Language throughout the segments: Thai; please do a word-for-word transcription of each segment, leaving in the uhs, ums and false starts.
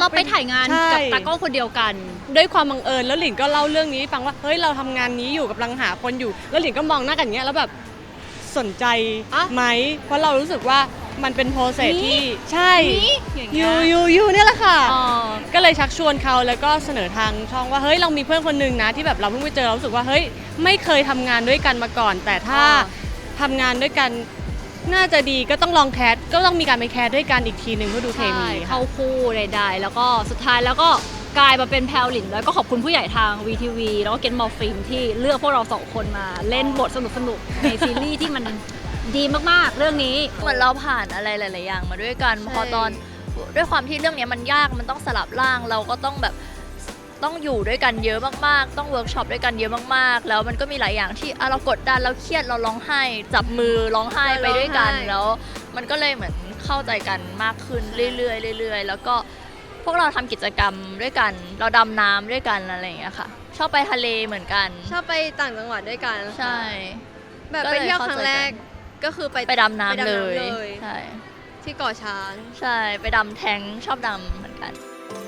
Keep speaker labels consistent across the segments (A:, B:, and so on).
A: ไปถ่ายงานกับตากล้องคนเดียวกัน
B: ด้วยความบังเอิญแล้วหลินก็เล่าเรื่องนี้ฟังว่าเฮ้ยเราทำงานนี้อยู่กำลังหาคนอยู่แล้วหลินก็มองหน้ากันอย่างเงี้ยแล้วแบบสนใจไหมเพราะเรารู้สึกว่ามันเป็นโปรเซสที่ใช่ยูยูยูเนี่ยแหละค่ะก็เลยชักชวนเขาแล้วก็เสนอทางช่องว่าเฮ้ยเรามีเพื่อนคนนึงนะที่แบบเราเพิ่งไปเจอเรารู้สึกว่าเฮ้ยไม่เคยทำงานด้วยกันมาก่อนแต่ถ้าทำงานด้วยกันน่าจะดีก็ต้องลองแคสก็ต้องมีการไปแคสด้วยกันอีกทีหนึ่งเพื่อดูเคมี
A: เข้าคู่ใดๆแล้วก็สุดท้ายแล้วก็กลายมาเป็นแพลวหลินแล้วก็ขอบคุณผู้ใหญ่ทาง วี ที วี แล้วก็เกนมอลฟิล์มที่เลือกพวกเราสองคนมาเล่นบทสนุกๆในซีรีส์ที่มันดีมากๆเรื่องนี้
C: เหมือนเราผ่านอะไรหลายๆอย่างมาด้วยกันพอตอนด้วยความที่เรื่องนี้มันยากมันต้องสลับร่างเราก็ต้องแบบต้องอยู่ด้วยกันเยอะมากๆต้องเวิร์กช็อปด้วยกันเยอะมากๆแล้วมันก็มีหลายอย่างที่เรากดดันเราเครียดเราร้องไห้จับมือร้องไห้ไปด้วยกันแล้วมันก็เลยเหมือนเข้าใจกันมากขึ้นเรื่อยๆเรื่อยๆแล้วก็พวกเราทำกิจกรรมด้วยกันเราดำน้ำด้วยกันอะไรอย่างเงี้ยค่ะชอบไปทะเลเหมือนกัน
D: ชอบไปต่างจังหวัดด้วยกัน
C: ใช่
D: แบบไปเที่ยวครั้งแรกก็คือไป
C: ไปดำน้ำเลยใช่
D: ที่เกาะช้าง
C: ใช่ไปดำแทงชอบดำเหมือนกัน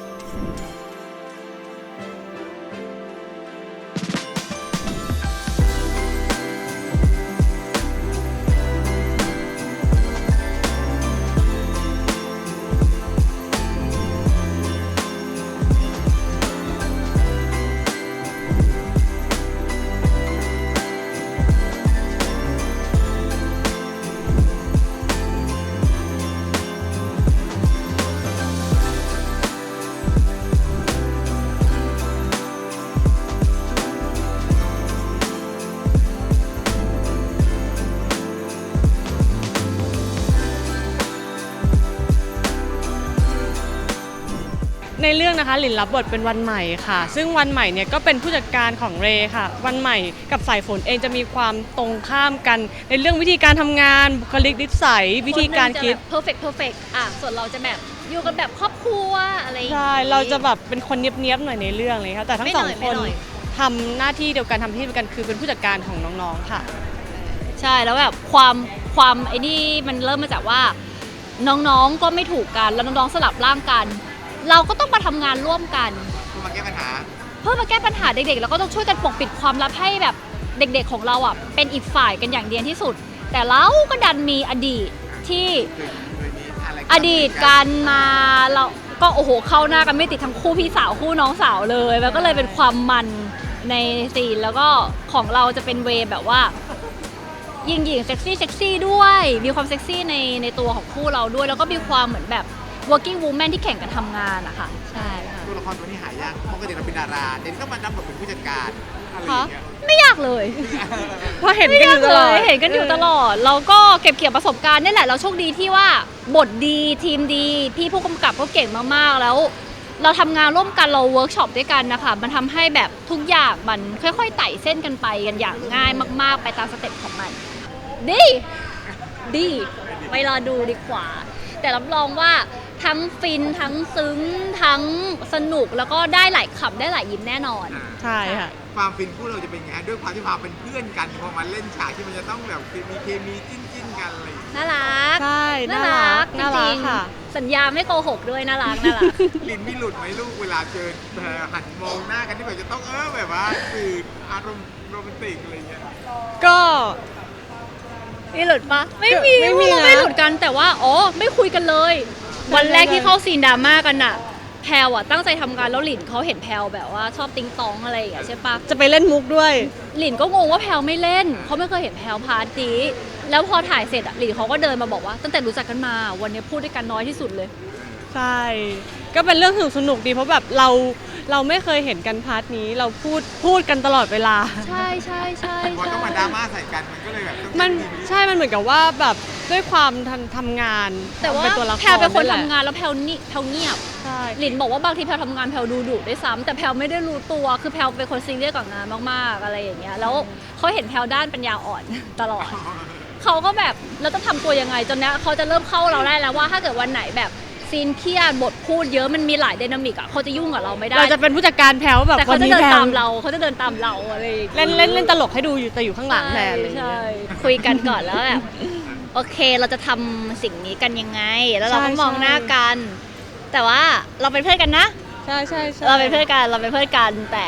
B: ในเรื่องนะคะหลินรับบทเป็นวันใหม่ค่ะซึ่งวันใหม่เนี่ยก็เป็นผู้จัดการของเรค่ะวันใหม่กับสายฝนเองจะมีความตรงข้ามกันในเรื่องวิธีการทำงานบุคลิกนิสัยวิธีการคิด
A: perfect perfect อ่ะส่วนเราจะแบบอยู่กันแบบครอบครัวอะไร
B: ใช่เราจะแบบเป็นคนเนียบๆหน่อยในเรื่องเลยค่ะแต่ทั้งสองคนทำหน้าที่เดียวกันทำที่เดียวกันคือเป็นผู้จัดการของน้องๆค่ะ
A: ใช่แล้วแบบความความไอ้นี่มันเริ่มมาจากว่าน้องๆก็ไม่ถูกกันแล้วน้องๆสลับร่างกันเราก็ต้องมาทำงานร่วมกัน
E: เพื่อมาแก้ปัญหา
A: เพื่อมาแก้ปัญหาเด็กๆแล้วก็ต้องช่วยกันปกปิดความลับให้แบบเด็กๆของเราอ่ะเป็นอีกฝ่ายกันอย่างเดียวที่สุดแต่เราก็ดันมีอดีตที่อดีตกันมาเราก็โอ้โหเข้าหน้ากันไม่ติดทั้งคู่พี่สาวคู่น้องสาวเลยแล้วก็เลยเป็นความมันในซีนแล้วก็ของเราจะเป็นเวย์แบบว่ายิงๆเซ็กซี่เซ็กซี่ด้วยมีความเซ็กซี่ในในตัวของคู่เราด้วยแล้วก็มีความเหมือนแบบworking woman ที่แข่งกันทำงานอะค่ะใช่ค่ะ
E: ตัวละครตัวนี้หายากปกติเราเป็นดาราเด่นก็มารับบทเป็นผู้จัดการอะไรอย่างเงี้ย
A: ไม่ยากเลย
B: เพราะเห็นกันอยู่ตลอด
A: เห็นกันอยู่ตลอดเราก็เก็บเกี่ยวประสบการณ์นี่แหละเราโชคดีที่ว่าบทดีทีมดีพี่ผู้กำกับก็เก่งมากๆแล้วเราทำงานร่วมกันเราเวิร์กช็อปด้วยกันนะคะมันทำให้แบบทุกอย่างมันค่อยๆไต่เส้นกันไปกันอย่างง่ายมากๆไปตามสเต็ปของมันดีดีไปรอดูดีกว่าแต่รับรองว่าทั้งฟินทั้งซึ้งทั้งสนุกแล้วก็ได้หลายขำได้หลายยิ้มแน่นอน
B: ใช่ค่ะ
E: ความฟินคู่เราจะเป็นไงด้วยความที่พาเป็นเพื่อนกันพอมาเล่นฉากที่มันจะต้องแบบมีเคมีจิ้นจิ้นกันอะไร
A: น่ารัก
B: ใช่น่ารัก
A: จริงๆสัญญาไม่โกหกด้วยน่ารักน่ารัก
E: ลินมีหลุดไหมลูกเวลาเจอหันมองหน้ากันที่แบบจะต้องเออแบบว่าสื่ออารมณ์โรแมนติกอะไรเงี้ย
B: ก็
A: ไม่หลุดปะไม่มีไม่มีไม่หลุดกันแต่ว่าอ๋อไม่คุยกันเลยวันแรกที่เข้าซีนดราม่ากันอะแพลวอะตั้งใจทำงานแล้วหลินเขาเห็นแพลวแบบว่าชอบติ๊งตองอะไรอย่างเงี้ยใช่ปะ
B: จะไปเล่นมุกด้วย
A: หลินก็งงว่าแพลวไม่เล่นเขาไม่เคยเห็นแพลวพาร์ทนี้แล้วพอถ่ายเสร็จอะหลินเขาก็เดินมาบอกว่าตั้งแต่รู้จักกันมาวันนี้พูดด้วยกันน้อยที่สุดเลย
B: ใช่ก็เป็นเรื่องสนุกสนุกดีเพราะแบบเราเราไม่เคยเห็นกันพาร์ทนี้เราพูดพูดกันตลอดเวลา
A: ใช่ใช่ใช่
E: พอต้องมาดราม่าใส่กันมันก็เลยแบบ
B: มันใช่มันเหมือนกับว่าแบบด้วยความทำทำงาน
A: แต่ว่าแพลวเป็นคนทำงานแล้วแพลวนี่แพลวเงียบหลินบอกว่าบางทีแพลวทำงานแพลวดูดุด้วยซ้ำแต่แพลวไม่ได้รู้ตัวคือแพลวเป็นคนซีเรียสกับงานมากๆอะไรอย่างเงี้ยแล้วเขาเห็นแพลวด้านปัญญาอ่อนตลอดเขาก็แบบแล้วต้องทำตัวยังไงจนเนี้ยเขาจะเริ่มเข้าเราได้แล้วว่าถ้าเกิดวันไหนแบบซีนเครียดบทพูดเยอะมันมีหลายไดนามิกอ่ะเขาจะยุ่งกับเราไม่ได้
B: เราจะเป็นผู้จัดการแพลวแบบ
A: แต่เขาจะเดินตามเราเขาจะเดินตามเราอะไร
B: เล่นเล่นเล่นตลกให้ดูอยู่แต่อยู่ข้างหลังแทน
A: ใช่คุยกันก่อนแล้วแบบโอเคเราจะทำสิ่งนี้กันยังไงแล้วเราก็มองหน้ากันแต่ว่าเราเป็นเพื่อนกันนะ
B: ใช่ใช่ใช่
A: เราเป็นเพื่อนกันเราเป็นเพื่อนกันแต่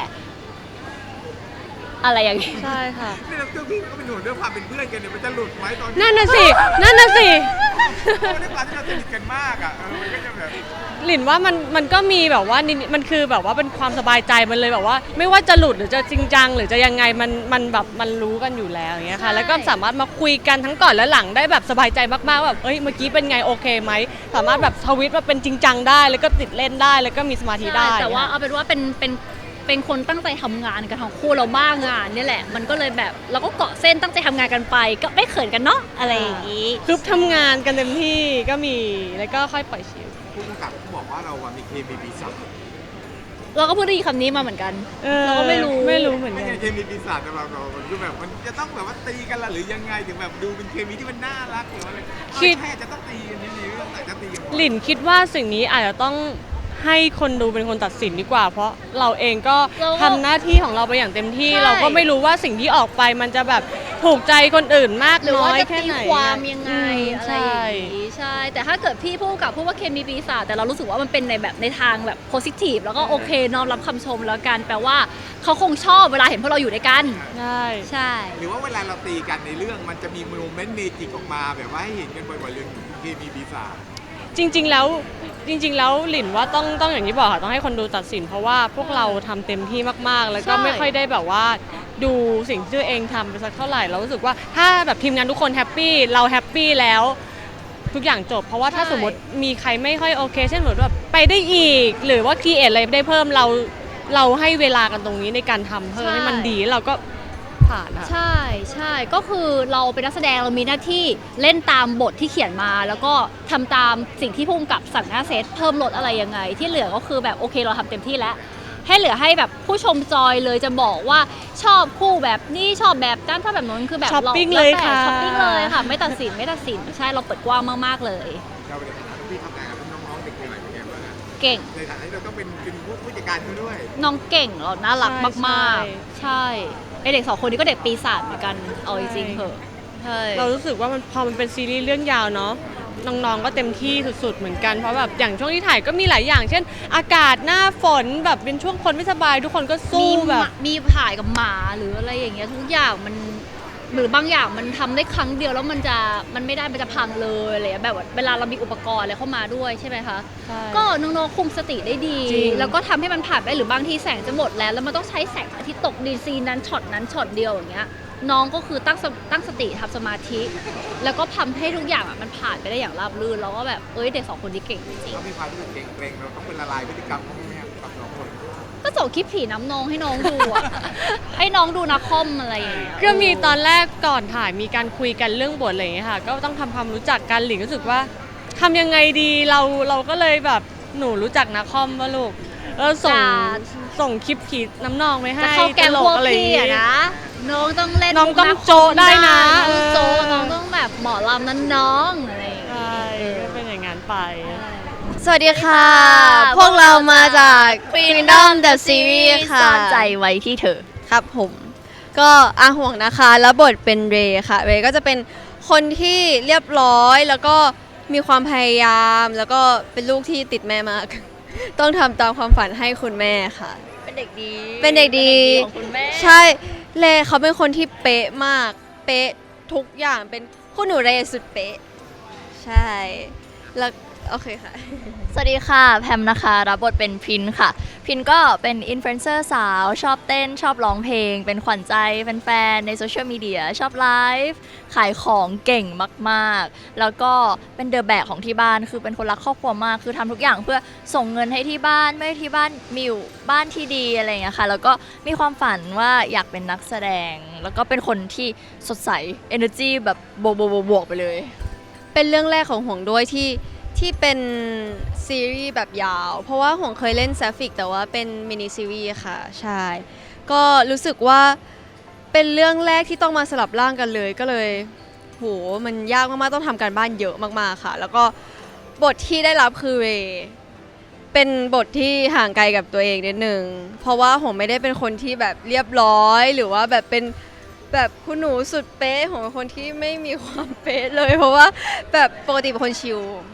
A: อะไรอย่างนี้
B: ใช่ค่ะ
E: นี่เราเจ้าพี่ก็เป็นห่วงเรื่องความเป็นเพื่อนกันเนี่ยมันจะหลุดไหมตอน
B: นั่นน่ะสินั่นน่ะสิ
E: ด้วยความที่เราสนิทกันมากอ่ะเออมันก็จะแบบ
B: หลินว่ามันมันก็มีแบบว่านิดมันคือแบบว่าเป็นความสบายใจมันเลยแบบว่า ไม่ว่าจะหลุดหรือจะจริงจังหรือจะยังไงมันมันแบบมันรู้กันอยู่แล้วอย่างเงี้ยค่ะ
A: ใช่
B: แล้วก็สามารถมาคุยกันทั้งก่อนและหลังได้แบบสบายใจมากๆแบบเอ้ยเมื่อกี้เป็นไงโอเคไหมสามารถแบบทวิตมาเป็นจริงจังได้ แล้วก็ติดเล่นได้แล้วก็มีสมาธิได้
A: ใช่แต่ว่าเอาเป็นว่าเป็นเป็นเป็นคนตั้งใจทำงานกันทั้งคู่เราบ้างงานเนี่ยแหละ มันก็เลยแบบเราก็เกาะเส้นตั้งใจทำงานกันไป ก็ไม่เขินกันเนาะอะไรอย่างนี้
B: คือทำงานกันเต็มที่ก็มีแล้วก็ค่อยปล่อยชิล
E: ผู้กำกับเขาบอกว่าเราอะมีเคมีปีศาจ
A: เราก็เพิ่งได้ยินคำนี้มาเหมือนกัน เราก็ไม่รู้
B: ไม่รู้เหมือน
E: ไม่
B: กัน
E: ใช่เคมีปีศาจสำหรับเรามันคือแบบมันจะต้องแบบว่าตีกันละหรือยังไงถึงแบบดูเป็นเคมีที่มันน่ารักหรืออะไร
B: คิด
E: แค่จะต้องตีกันในเรื่องอาจจะตีกันบ่อย
B: หลินคิดว่าสิ่งนี้อาจจะต้องให้คนดูเป็นคนตัดสินดีกว่า เพราะเราเองก็
A: เราก็
B: ทำหน้าที่ของเราไปอย่างเต็มที่
A: ใช่
B: เราก็ไม่รู้ว่าสิ่งที่ออกไปมันจะแบบถูกใจคนอื่นมาก
A: หรือ
B: น้อ
A: ว่าย จะ
B: แค่
A: ตี
B: ไหน
A: ความยังไง
B: ม
A: อะไรอย่างนี้ใช่ แต่ถ้าเกิดพี่พูดกับพูดว่าเคมีปีศาจแต่เรารู้สึกว่ามันเป็นในแบบในทางแบบโพสิทีฟแล้วก็โอเคน้อมรับคำชมแล้วกันแปลว่าเขาคงชอบเวลาเห็นพวกเราอยู่ด้วยกัน
B: ใช่
A: ใช่
E: หรือว่าเวลาเราตีกันในเรื่องมันจะมีโมเมนต์เมจิกออกมาแบบว่าให้เห็นกันบ่อยๆเรื่องเคมีปีศาจ
B: จริง ๆ แล้วจริง ๆ แล้วหลินว่าต้องต้องอย่างที่บอกค่ะต้องให้คนดูตัดสิน เพราะว่าพวกเราทำเต็มที่มากๆ แล้วก็
A: ใช่
B: ไม่ค่อยได้แบบว่าดูสิ่งที่ตัวเองทำไปสักเท่าไหร่เรารู้สึกว่าถ้าแบบทีมงานทุกคนแฮปปี้เราแฮปปี้แล้ว ทุกอย่างจบ เพราะว่าถ้าสมมติมีใครไม่ค่อยโอเค เช่นเหมือนแบบไปได้อีก หรือว่าคีเอทอะไรได้เพิ่มเราเราให้เวลากันตรงนี้ในการทำเพิ่มให้มันดีเราก็ผ่านอะ
A: ใช่ใช่ก็คือเราเป็นนักแสดงเรามีหน้าที่เล่นตามบทที่เขียนมา แล้วก็ทำตามสิ่งที่ผู้กำกับสั่งหน้าเซตเพิ่มลดอะไรยังไง ที่เหลือก็คือแบบโอเคเราทำเต็มที่แล้ว ให้เหลือให้แบบผู้ชมจอยเลยจะบอกว่าชอบคู่แบบนี้ชอบแบบนั้นถ้าแบบนั้นคือแบบ
B: ช้อปปิ้ง
A: รา
B: เลย
A: แวแต่
B: ค่ะ
A: ช้อปปิ้งเลยค่ะ ไม่ตัดสินไม่ตัดสินใช่เราเปิดกว้างมากๆเลย
E: เราในฐานะที่ทำงานกับน้องๆเด็กๆอะไรอย่างเงี้ยบ้างอะ
A: เก่ง
E: ในฐานะที่เราต้องเป็นเป็นผู้ผู้จัดการเขาด้วย
A: น้องเก่งเราน่ารัก
B: ใช่
A: มากๆ ใช่ไอเด็กสองคนนี้ก็เด็กปีศาจเหมือนกันเอาจริงๆเถอะใช่
B: เรารู้สึกว่ามันพอมันเป็นซีรีส์เรื่องยาวเนาะน้องๆก็เต็มที่สุดๆเหมือนกันเพราะแบบอย่างช่วงที่ถ่ายก็มีหลายอย่าง เช่น อากาศหน้าฝนแบบเป็นช่วงคนไม่สบายทุกคนก็สู้
A: มี
B: แบบ
A: หมามีถ่ายกับหมาหรืออะไรอย่างเงี้ยทุกอย่างมันหรือบางอย่างมันทำได้ครั้งเดียวแล้วมันจะมันไม่ได้มันจะพังเลยอะไรอย่างเงี้ยแบบว่าเวลาเรามีอุปกรณ์อะไรเข้ามาด้วยใช่ไหมคะ
B: ใช่
A: ก็น้องๆคุมสติได้ดี
B: จริง
A: แล้วก็ทำให้มันผ่านไปหรือบางทีแสงจะหมดแล้วแล้วมันต้องใช้แสงอาทิตย์ตกดีซีนนั้นช็อตนั้นช็อตเดียวอย่างเงี้ยน้องก็คือตั้งสตั้งสติทำสมาธิ แล้วก็ทำให้ทุกอย่างอะมันผ่านไปได้อย่างราบรื่นแล้วก็แบบเอ้ยเด็กสองคนนี้เก่งจริง
E: เขามีความรู้สึกเกรงๆเราต้องเป็นละลายพฤติกรรมเขาไหมครับกับน้องคน
A: ก็ส่งคลิปผีน้ำนองให้น้องดูอะ ให้น้องดูนักคอมอะไรอย่างเงี้ย
B: ก็มีตอนแรกก่อนถ่ายมีการคุยกันเรื่องบทอะไรอย่างเงี้ยค่ะ ก็ต้องทำความรู้จักกันหลิงรู้สึกว่าทำยังไงดีเราเราก็เลยแบบหนูรู้จักนักคอมป่ะลูกเออส่ง
A: จ้า
B: ส่งคลิปผีน้ำนองไปให้
A: จะเข้าแกง
B: ตล
A: พวก
B: อะไรอย่าง
A: พี่
B: เงี้
A: อะ
B: ย
A: นะ น้องต้องเล่น
B: น้องต้อง
A: มุก
B: โจ๊ะได้นะ
A: น้องต้องโจ๊ะ
B: เออ
A: น้องต้องแบบหมอลำนั้นน้องอะไรอย่างเงี้ย
B: ใช่ก็เป็นอย่างนั้นไป
D: สวัสดีค่ะ
A: ค่ะ
D: พวกเรามาจาก Freedom the Series ค่ะ
C: ซ่อนใจไว้ที่เธอ
D: ครับผม ก็อาห่วงนะคะ แล้วบทเป็นเรย์ค่ะ เรย์ก็จะเป็นคนที่เรียบร้อย แล้วก็มีความพยายาม แล้วก็เป็นลูกที่ติดแม่มาก ต้องทำตามความฝันให้คุณแม่ค่ะ
C: เป็นเด็กดี
D: เป็นเด็กดี
C: ของคุณแม่
D: ใช่ เรย์เขาเป็นคนที่เป๊ะมาก เป๊ะทุกอย่าง เป็นคุณหนูเรย์สุดเป๊ะ ใช่ แล้วโอเคค่ะ
C: สวัสดีค่ะแพมนะคะรับบทเป็นพินค่ะ พินก็เป็นอินฟลูเอนเซอร์สาวชอบเต้นชอบร้องเพลง เป็นขวัญใจแฟนๆในโซเชียลมีเดียชอบไลฟ์ขายของเก่งมากๆ แล้วก็เป็นเดอะแบกของที่บ้านคือเป็นคนรักครอบครัวมาก คือทำทุกอย่างเพื่อส่งเงินให้ที่บ้านไม่ให้ที่บ้านมีอยู่บ้านที่ดีอะไรอย่างเงี้ยค่ะแล้วก็มีความฝันว่าอยากเป็นนักแสดง แล้วก็เป็นคนที่สดใส energy แบบบวกบวกๆๆไปเลย
D: เป็นเรื่องแรกของห่วงด้วยที่ที่เป็นซีรีส์แบบยาว เพราะว่าห่วงเคยเล่นแซฟิกแต่ว่าเป็นมินิซีรีส์ค่ะ ใช่ ก็รู้สึกว่าเป็นเรื่องแรกที่ต้องมาสลับร่างกันเลยก็เลยโหมันยากมากๆต้องทำการบ้านเยอะมากๆค่ะ แล้วก็บทที่ได้รับคือเรย์เป็นบทที่ห่างไกลกับตัวเองนิดนึงเพราะว่าผมไม่ได้เป็นคนที่แบบเรียบร้อย หรือว่าแบบเป็นแบบคุณหนูสุดเป๊ะผมเป็นคนที่ไม่มีความเป๊ะเลย เพราะว่าแบบปกติเป็นคนชิล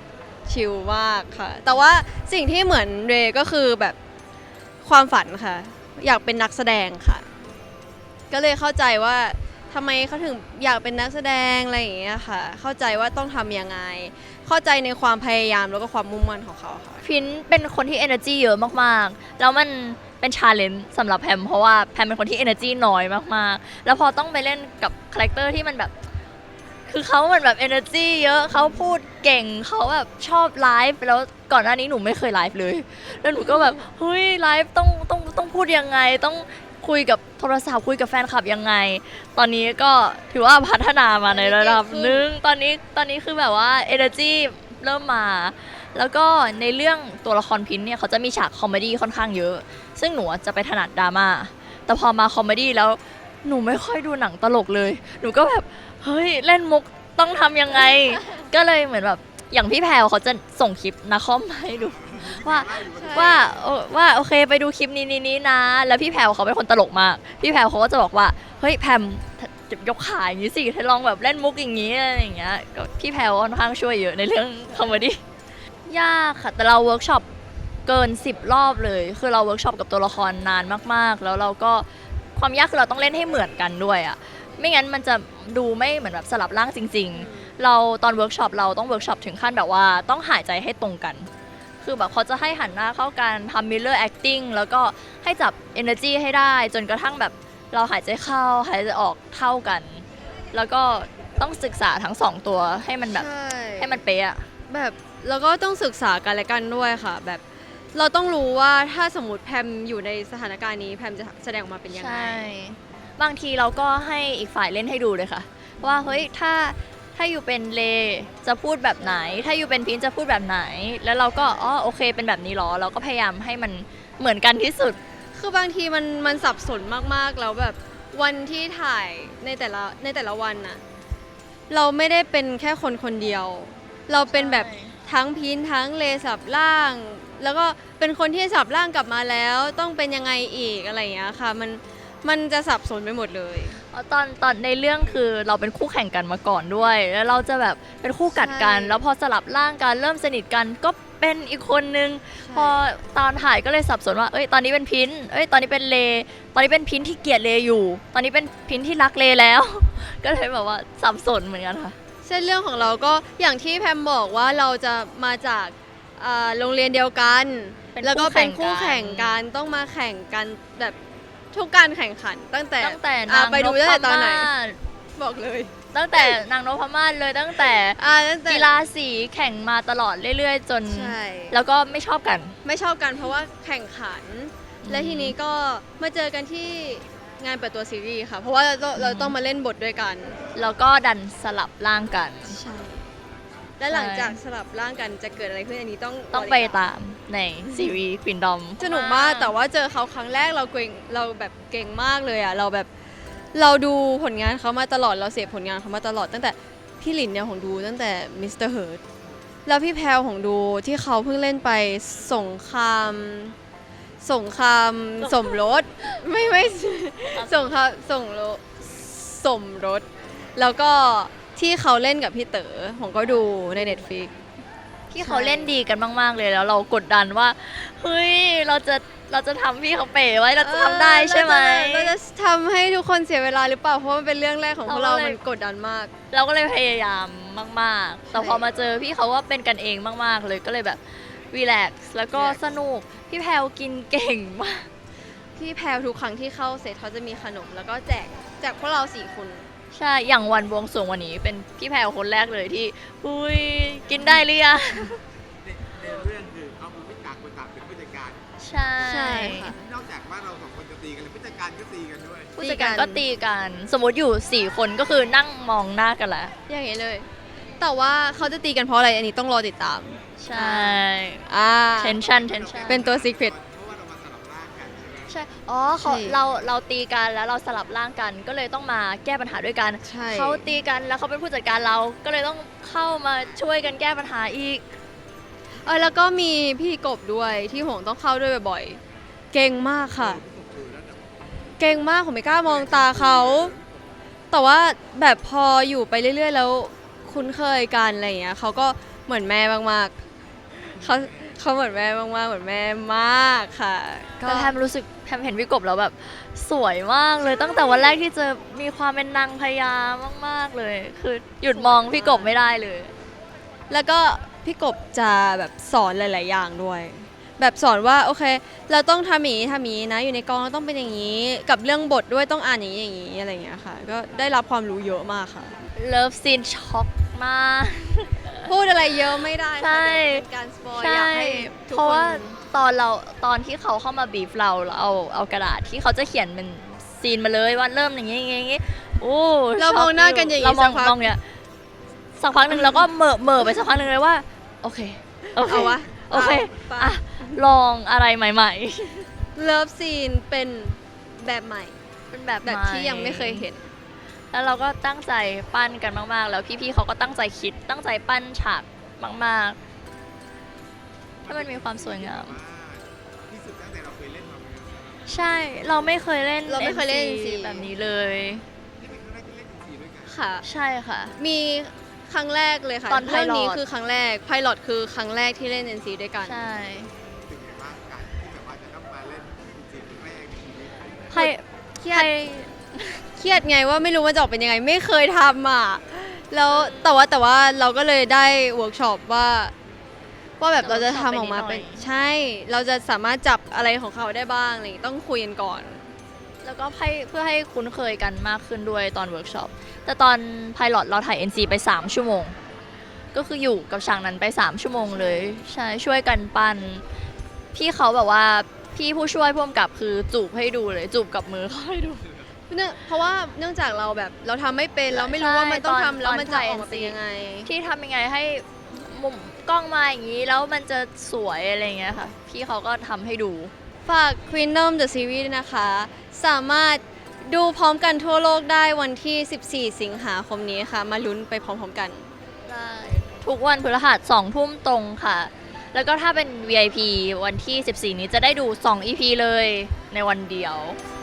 D: ชิลมากค่ะ แต่ว่าสิ่งที่เหมือนเรย์ก็คือแบบความฝันค่ะ อยากเป็นนักแสดงค่ะ ก็เลยเข้าใจว่าทำไมเขาถึงอยากเป็นนักแสดงอะไรอย่างเงี้ยค่ะ เข้าใจว่าต้องทำยังไง เข้าใจในความพยายามแล้วก็ความมุ่งมั่นของเขาค่ะ
C: พินเป็นคนที่ energy เยอะมากๆ แล้วมันเป็นชาเลนจ์สำหรับแพมเพราะว่าแพมเป็นคนที่ energy น้อยมากๆ แล้วพอต้องไปเล่นกับคาแรคเตอร์ที่มันแบบ คือเขาเหมือนแบบ energy เยอะเขาพูดเก่งเขาแบบชอบไลฟ์แล้วก่อนหน้านี้หนูไม่เคยไลฟ์เลย แล้วหนูก็แบบเฮ้ยไลฟ์ต้องต้องต้องพูดยังไง ต้องคุยกับโทรศัพท์คุยกับแฟนคลับยังไง ตอนนี้ก็ถือว่าพัฒนามาในระดับหนึ่งตอนนี้ตอนนี้คือแบบว่า energy เริ่มมา แล้วก็ในเรื่องตัวละครพินเนี่ยเขาจะมีฉากคอมเมดี้ค่อนข้างเยอะ ซึ่งหนูจะไปถนัดดราม่าแต่พอมาคอมเมดี้แล้วหนูไม่ค่อยดูหนังตลกเลย หนูก็แบบเฮ้ยเล่นมุกต้องทำยังไง ก็เลยเหมือนแบบอย่างพี่แพรวเขาจะส่งคลิปนาคอมมาให้ดู ว่าว่าเอ่อว่าโอเคไปดูคลิปนี้นี้นี้นะ แล้วพี่แพรวเขาเป็นคนตลกมาก พี่แพรวเขาก็จะบอกว่าเฮ้ยแพมยกขาอย่างนี้สิเธอลองแบบเล่นมุกอย่างนี้อะไรอย่างเงี้ยก็พี่แพรวค่อนข้างช่วยเยอะในเรื่องคอมเมดี้ยากค่ะแต่เราเวิร์กช็อปเกินสิบรอบเลย คือเราเวิร์กช็อปกับตัวละครนานมากๆ แล้วเราก็ความยากคือเราต้องเล่นให้เหมือนกันด้วยอ่ะไม่งั้นมันจะดูไม่เหมือนแบบสลับร่างจริง ๆ เราตอนเวิร์กช็อปเราต้องเวิร์กช็อปถึงขั้นแบบว่าต้องหายใจให้ตรงกัน คือแบบเขาจะให้หันหน้าเข้ากันทำ mirror acting แล้วก็ให้จับ energy ให้ได้ จนกระทั่งแบบเราหายใจเข้าหายใจออกเท่ากัน แล้วก็ต้องศึกษาทั้งสองตัวให้มันแบบ
D: ใช่
C: ให้มันเป๊ะอะ
D: แบบแล้วก็ต้องศึกษากันและกันด้วยค่ะ แบบเราต้องรู้ว่าถ้าสมมติแพมอยู่ในสถานการณ์นี้แพมจะแสดงออกมาเป็นยังไง
C: ใช่ บางทีเราก็ให้อีกฝ่ายเล่นให้ดูเลยค่ะ ว่าเฮ้ยถ้าถ้าอยู่เป็นเลจะพูดแบบไหน ถ้าอยู่เป็นพินจะพูดแบบไหน แล้วเราก็อ๋อโอเคเป็นแบบนี้หรอ เราก็พยายามให้มันเหมือนกันที่สุด
D: คือบางทีมันมันสับสนมากๆแล้วแบบวันที่ถ่ายในแต่ละในแต่ละวันน่ะเราไม่ได้เป็นแค่คนคนเดียว เราเป็นแบบทั้งพีนทั้งเลสับล่าง แล้วก็เป็นคนที่สับล่างกลับมาแล้วต้องเป็นยังไงอีกอะไรอย่างเงี้ยค่ะมันมันจะสับสนไปหมดเลย
C: ตอนตอนในเรื่องคือเราเป็นคู่แข่งกันมาก่อนด้วย แล้วเราจะแบบเป็นคู่กัดกัน
D: ใช่
C: แล้วพอสลับร่างกันเริ่มสนิทกันก็เป็นอีกคนนึง พอตอนถ่ายก็เลยสับสนว่า เอ้ย ตอนนี้เป็นพินเอ้ย ตอนนี้เป็นเล ตอนนี้เป็นพินที่เกลียดเลอยู่ ตอนนี้เป็นพินที่รักเลแล้ว ก็เลยแบบว่าสับสนเหมือนกันค่ะ
D: เส้นเรื่องของเราก็อย่างที่แพมบอกว่าเราจะมาจากอ่าโรงเรียนเดียวกัน
C: เป็น
D: แล้วก็เป็นคู่
C: คู่แข่
D: แข่ง
C: งกั
D: กัน
C: น
D: ต้องมาแข่งกันแบบทุกการแข่งขัน ตั้งแต่
C: ตั้งแต่
D: อ่ะ
C: นาง
D: ไป
C: น
D: ดู
C: พ
D: ตั้งแต่ตอนไหน
C: มาศ
D: บอกเลย
C: ตั้งแต่นางนพมาศเลยตั้งแต่
D: อ่าตั้งแต่
C: กีฬาสีแข่งมาตลอดเรื่อยๆ จน
D: ใช่
C: แล้วก็ไม่ชอบกัน
D: ไม่ชอบกันเพราะว่าแข่งขัน
C: อืม
D: และทีนี้ก็มาเจอกันที่งานเปิดตัวซีรีส์ค่ะ เพราะว่าเราต้องเราต้องมาเล่นบทด้วยกัน
C: แล้วก็ดันสลับร่างกัน
D: ใช่ และหลังจากสลับร่างกันจะเกิดอะไรขึ้นอันนี้ต้อง
C: ต้องไปตามในซีรีส์ควินดอม
D: สนุกมากแต่ว่าเจอเขาครั้งแรกเราเก่งเราแบบเก่งมากเลยอ่ะเราแบบเราดูผลงานเขามาตลอดเราเสพผลงานเขามาตลอดตั้งแต่พี่หลินเนี่ยของดูตั้งแต่มิสเตอร์เฮิร์ทแล้วพี่แพรวของดูที่เขาเพิ่งเล่นไปสงครามสงครามสมรสไม่ไม่สงครามสงรสสมรสแล้วก็ที่เขาเล่นกับพี่เต๋อผมก็ดูใน Netflix
C: ที่เขาเล่นดีกันมาก ๆ เลยแล้วเรากดดันว่า เฮ้ย เราจะเราจะทำพี่เขาเป๋ไว้เราจะทำได้ใช่ไหม
D: เออเราจะเราจะทำให้ทุกคนเสียเวลาหรือเปล่า เพราะมันเป็นเรื่องแรกของพวกเรา
C: เราก็เลย
D: มันกดดันมาก
C: เราก็เลยพยายามมาก ๆ แต่พอมาเจอพี่เขาว่าเป็นกันเองมาก ๆ เลยก็เลยแบบรีแลกซ์แล้วก็
D: relax
C: สนุก พี่แพลวกินเก่งมาก
D: พี่แพรวทุกครั้งที่เข้าเซตเขาจะมีขนม แล้วก็แจกแจกพวกเราสี่คน
C: ใช่ อย่างวันบวงสรวงวันนี้เป็นพี่แพลวคนแรกเลยที่อุ้ยกินได้หรือยัง
E: ในในเรื่องคือเขาคือพิจากคนต่างเป็นผู้จัดการ
C: ใช่
D: ใช่ค่ะ
E: นอกจากว่าเราสองคนจะตีกันแล้วผู้จัดการก็ตีกันด้วย
C: ผู้จัดการก็ตีกัน สมมติอยู่สี่คนก็คือนั่งมองหน้ากันแล้ว
D: อย่างนี้เลย แต่ว่าเขาจะตีกันเพราะอะไรอันนี้ต้องรอติดตาม
C: ใช่
D: อ่า
C: tension tension
D: เป็นตัว secret
E: เพราะว่าเรามาสลับร่างกันใช่ไหม
C: ใช่ อ๋อเขา
D: ใช่
C: เราเราตีกันแล้วเราสลับร่างกัน ก็เลยต้องมาแก้ปัญหาด้วยกัน
D: ใช่
C: เขาตีกันแล้วเขาเป็นผู้จัดการเรา ก็เลยต้องเข้ามาช่วยกันแก้ปัญหาอีก
D: เออแล้วก็มีพี่กบด้วยที่หงต้องเข้าด้วยบ่อยๆ เก่งมากค่ะ เก่งมากผมไม่กล้ามองตาเขา แต่ว่าแบบพออยู่ไปเรื่อยๆ แล้วคุ้นเคยกันอะไรอย่างเงี้ยเขาก็เหมือนแม่มากเขาเขาเหมือนแม่มากๆเหมือนแม่มากค่ะก็
C: แต่แพมรู้สึกแพมเห็นพี่กบแล้วแบบสวยมากเลยตั้งแต่วันแรกที่เจอมีความเป็นนางพญามากๆเลย คือหยุดมองพี่กบไม่ได้เลย
D: แล้วก็พี่กบจะแบบสอนหลาย ๆ อย่างด้วย แบบสอนว่าโอเค เราต้องทำอย่างนี้ทำอย่างนี้นะ อยู่ในกองเราต้องเป็นอย่างนี้ กับเรื่องบทด้วยต้องอ่านอย่างนี้อย่างนี้อะไรอย่างเงี้ยค่ะ ก็ได้รับความรู้เยอะมากค่ะ
C: เลิฟซีนช็อกมาก
D: พูดอะไรเยอะไม่ได้
C: ใช่
D: ค่ะเดี๋ยวเป็นการสปอยอยา
C: ใช่
D: กให้ทุก
C: เพราะ
D: ค
C: ว่าน ตอนเราตอนที่เขาเข้ามาบีฟเราเราเอาเอากระดาษที่เขาจะเขียนเป็นซีนมาเลยว่าเริ่มอย่างงี้อย่างงี้อย่างงี้โอ้
D: เรามองหน้ากันอย่างนี้
C: เรามอง
D: สักพัก
C: มองเนี่ยสักพักหนึ่งแล้วก็เหม่อเหม่อไปสักพักหนึ่งเลยว่า โอเคโอเค
D: เอาวะ
C: โอเค
D: เอา
C: อ่ะลองอะไรใหม่
D: เลิฟซีนเป็นแบบใหม่
C: ๆ เป็นแบบ
D: แบบ
C: ให
D: ที่ยังไม่เคยเห็น
C: แล้วเราก็ตั้งใจปั้นกันมากๆ แล้วพี่ๆเขาก็ตั้งใจคิดตั้งใจปั้นฉากมากๆให้มันมีความสวยงาม
E: ที่สุดตั้งแต่เราเคยเล่นมาเลย
C: ใช่เราไม่เคยเล่น
D: เราไม่เคยเล่น
C: เอ็น
D: ซี
C: ซีแบบนี้เลย
E: นี่เป็นครั้งแรกที่เล่นดนตรีด้วยกัน
D: ค่ะ
C: ใช่ค่ะ
D: มีครั้งแรกเลยค่ะ
C: ตอน
D: เรื่องนี้
C: Pilot
D: คือครั้งแรกไพลอตคือครั้งแรกที่เล่น เอ็น ซี ด้วยกัน
C: ใช่
E: ถึงแบบว่าการที่แบบว่าจะต้องมาเล่นดนตรีแรกในชีวิต
C: ใคร
D: เครีย
C: ใค
D: ด
C: ร
D: เครียดไงว่าไม่รู้ว่าจะออกเป็นยังไง ไม่เคยทำอ่ะ แล้วแต่ว่าแต่ว่าเราก็เลยได้เวิร์กช็อปว่า ว่าแบบเราจะทำออกมาเป็น ใช่ เราจะสามารถจับอะไรของเขาได้บ้างอะไรอย่างงี้ต้องคุยกันก่อน
C: แล้วก็ให้เพื่อให้คุ้นเคยกันมากขึ้นด้วยตอนเวิร์กช็อป แต่ตอนไพลอตเราถ่าย เอ็น ซี ไป สาม ชั่วโมง ก็คืออยู่กับฉากนั้นไป สาม ชั่วโมงเลย ใช่ช่วยกันปั้นพี่เขาแบบว่าพี่ผู้ช่วยพ่วงกับคือจูบให้ดูเลย จูบกับมือเขาให้ดู
D: เนื่องเพราะว่าเนื่องจากเราแบบเราทำไม่เป็นเราไม่รู้ว่ามันต้องทำแล้วมันจะออกมาเป็นยังไง
C: ที่ทำยังไงให้มุมกล้องมาอย่างนี้แล้วมันจะสวยอะไรอย่างเงี้ยค่ะ พี่เขาก็ทำให้ดู
D: ฝาก Queendom the Series ด้วยนะคะ สามารถดูพร้อมกันทั่วโลกได้วันที่ สิบสี่ สิงหาคมนี้ค่ะ มาลุ้นไปพร้อมๆกัน
C: ได้ทุกวันพฤหัสสองทุ่มตรงค่ะ แล้วก็ถ้าเป็น วี ไอ พี วันที่ สิบสี่ นี้จะได้ดู สอง อี พี เลยในวันเดียว